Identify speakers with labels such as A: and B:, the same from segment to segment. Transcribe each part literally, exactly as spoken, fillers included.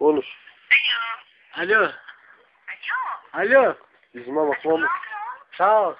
A: Konuş.
B: Alo.
C: Alo.
B: Alo.
A: Yüzüme
C: Alo.
A: bakma mı?
B: Sağ ol.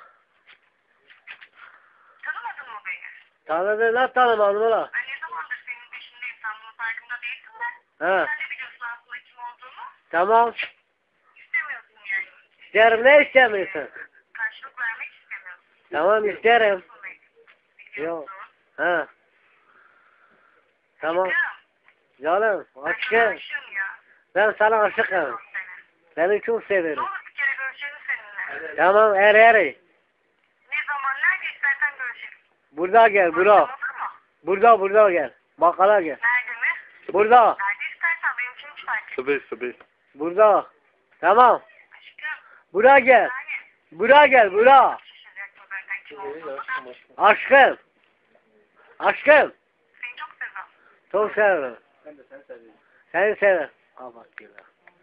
C: Tanımadın mı beni?
B: Tanıdın lan tanımadın ulan.
C: Ben ne zamandır senin peşindeyim. Sen bunun farkında değilsin de.
B: He.
C: Sen de biliyorsun aslında kim olduğunu.
B: Tamam.
C: İstemiyorsun yani.
B: İsterim ne istemiyorsun?
C: Karşılık vermek istemiyorsun.
B: Tamam isterim.
C: Biliyorsun.
B: Yok. Ha. Tamam.
C: Aşkım.
B: Canım
C: Ben sana
B: aşkım.
C: aşığım ya.
B: Ben sana aşıkım.
C: Seviyorum seni.
B: Seni çok
C: Ne
B: severim.
C: olur bir kere görüşelim seninle.
B: Tamam er eri.
C: Ne zaman nerede istersen görüşelim.
B: Burada gel
C: Akşam
B: bura.
C: olur mu?
B: Burada burada gel. Bakkala gel.
C: Nerede mi?
B: Burada.
C: Nerede istersen benim için hiç fark etmez.
A: Sıbı sıbı.
B: Burada. Tamam.
C: Aşkım.
B: Buraya gel.
C: Yani.
B: Buraya gel bura.
C: Şaşıracaksın zaten kim olduğunu da.
B: Aşkım. Aşkım.
C: Seni çok seviyorum.
B: Çok severim.
A: Ben de seni seviyorum.
B: Seni severim. Al bak gel.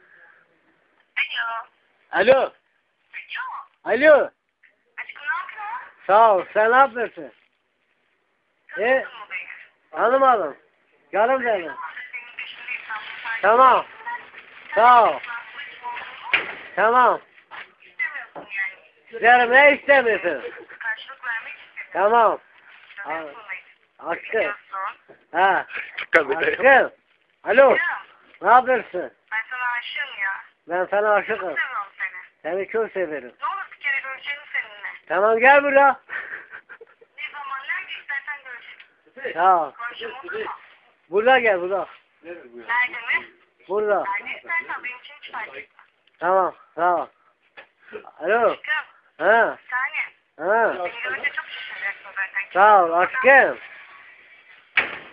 C: Alo.
B: Alo.
C: Alo.
B: Alo.
C: Aşkım ne yapıyorsun?
B: Sağ ol. Sen ne yapıyorsun? E,
C: Tanımadın mı beni?
B: tanımadım. Canım benim.
C: Ne zamandır senin peşindeyim. Sen bunun farkında
B: Tamam.
C: değilsin de.
B: Sağ ol.
C: Sen de biliyorsun aslında kim olduğunu.
B: Tamam.
C: İstemiyorsun yani.
B: Canım ne istemiyorsun?
C: Karşılık vermek istemiyorsun.
B: Tamam.
C: Tanıyorsun beni.
B: Aşkım.
C: Biliyorsun.
B: Ha.
A: Kabul
B: Aşkım. Alo.
C: Aşkım.
B: Ne yapıyorsun?
C: Ben sana aşığım ya.
B: Ben sana
C: Çok
B: aşıkım.
C: seviyorum seni.
B: Seni çok severim.
C: Ne olur bir kere görüşelim seninle.
B: Tamam gel buraya.
C: Ne zaman nerede istersen görüşelim.
B: Sağ ol.
C: Konuşalım olur mu?
B: Burada gel burada.
C: Nerede mi?
B: Burada.
C: Nerede istersen benim için hiç fark etmez.
B: Tamam. Sağ ol. Alo.
C: Aşkım.
B: Ha.
C: Bir saniye.
B: Ha.
C: Beni görünce çok şaşıracaksın zaten.
B: Sağ ol aşkım.